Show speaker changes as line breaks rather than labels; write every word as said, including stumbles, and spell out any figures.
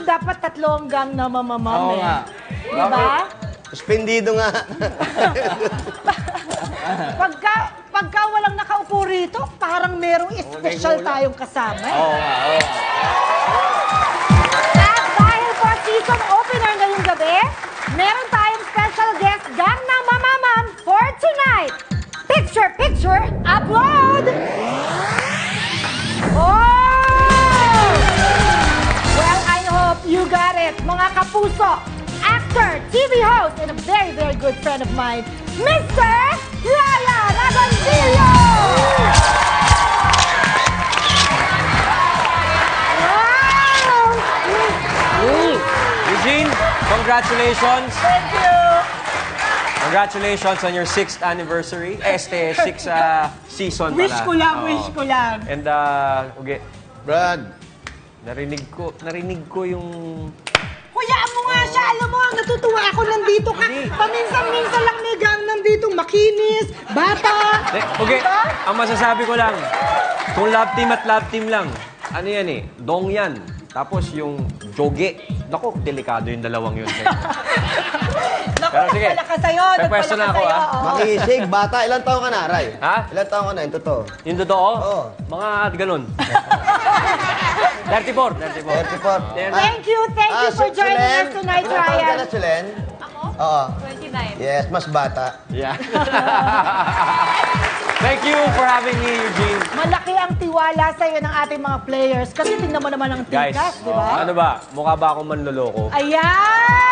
dapat tatlong gang na mamamam
Oo
eh.
nga.
Diba?
Suspendido nga.
Pagka, pagka walang nakaupo rito, parang merong special tayong kasama. Eh.
Oo nga, oo nga.
At dahil po season opener ngayong gabi, meron tayong special guest, gang na mamamam for tonight. Picture, picture, upload! Oh! Well, I hope you got it, mga kapuso. Actor, T V host, and a very, very good friend of mine, Mister Ryan Agoncillo! Wow!
Eugene, congratulations.
Thank you!
Congratulations on your sixth anniversary. Eh, este, sixth uh, season pala.
Wish ko lang,
Oo.
wish ko lang.
And, uh, okay,
Brad,
narinig ko, narinig ko yung...
Kuyaan mo nga siya, alam mo, natutuwa ako nandito ka. Paminsan-minsan lang may gang nandito, makinis, bata.
Eh, okay, ang masasabi ko lang, kung love team at love team lang, ano yan eh, dong yan. Tapos yung joge. Naku, delikado yung dalawang yun.
Naku,
Pero sige,
nagpala ka sa'yo,
may
nagpala
pwesto
ka
na ako,
sa'yo.
ah.
oo.
makisig, bata. Ilan taon ka na, Ray?
Ha?
Ilan taon ka na, yung totoo?
Yung totoo?
Oo.
Mga ganun. thirty-four. thirty-four.
thirty-four.
Thank you, thank you
Ah,
for
Su-
joining
Sulen?
us tonight,
Ilan taon ka
Ryan.
na, Sulen?
Ako?
Oo.
twenty-nine.
Yes, mas bata.
Yeah. Thank you for having me, Eugene.
Malaki ang tiwala sa'yo ng ating mga players kasi tingnan mo naman ang
Guys,
tikas, di ba?
ano ba? Mukha ba akong manloloko?
Ayan!